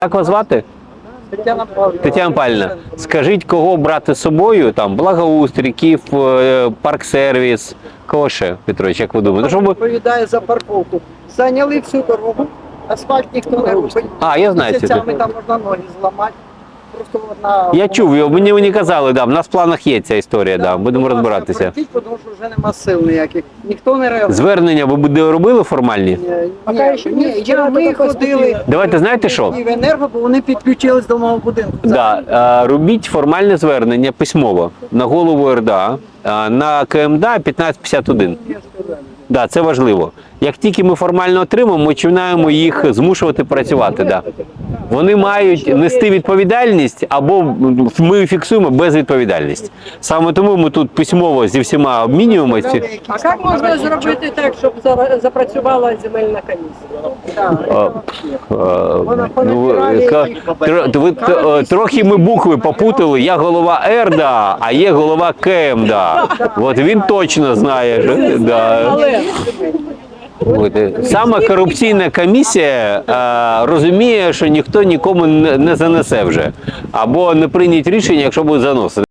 Як вас звати? Тетяна Павлівна. Тетяна Павлівна, скажіть, кого брати з собою? Там благоустрій, Київ, парксервіс, кого ще, Петрович, як ви думаєте? Щоб... Відповідає за парковку. Зайняли всю дорогу, асфальт ніхто не робить. А, я знаю. Місяцями там можна ноги зламати. Просто одна... Я чув, мені казали, да, в нас в планах є ця історія, да, будемо розбиратися. Пройдіть, тому що вже нема сил ніяких. Ніхто не реагує. Звернення ви робили формальні? Ми ходили Давайте, знаєте що? і в енерго, бо вони підключились до мого будинку. Да, робіть формальне звернення письмово на голову РДА, на КМДА 1551. Да, це важливо. Як тільки ми формально отримаємо, ми починаємо їх змушувати працювати. Да. Вони мають нести відповідальність або ми фіксуємо безвідповідальність. Саме тому ми тут письмово зі всіма обмінюємося. А як можна зробити так, щоб запрацювала земельна комісія? Трохи ми букви попутали. Я голова РДА, а є голова КМДА. От він точно знає. Да. Саме корупційна комісія розуміє, що ніхто нікому не занесе вже. Або не прийняти рішення, якщо буде заносити.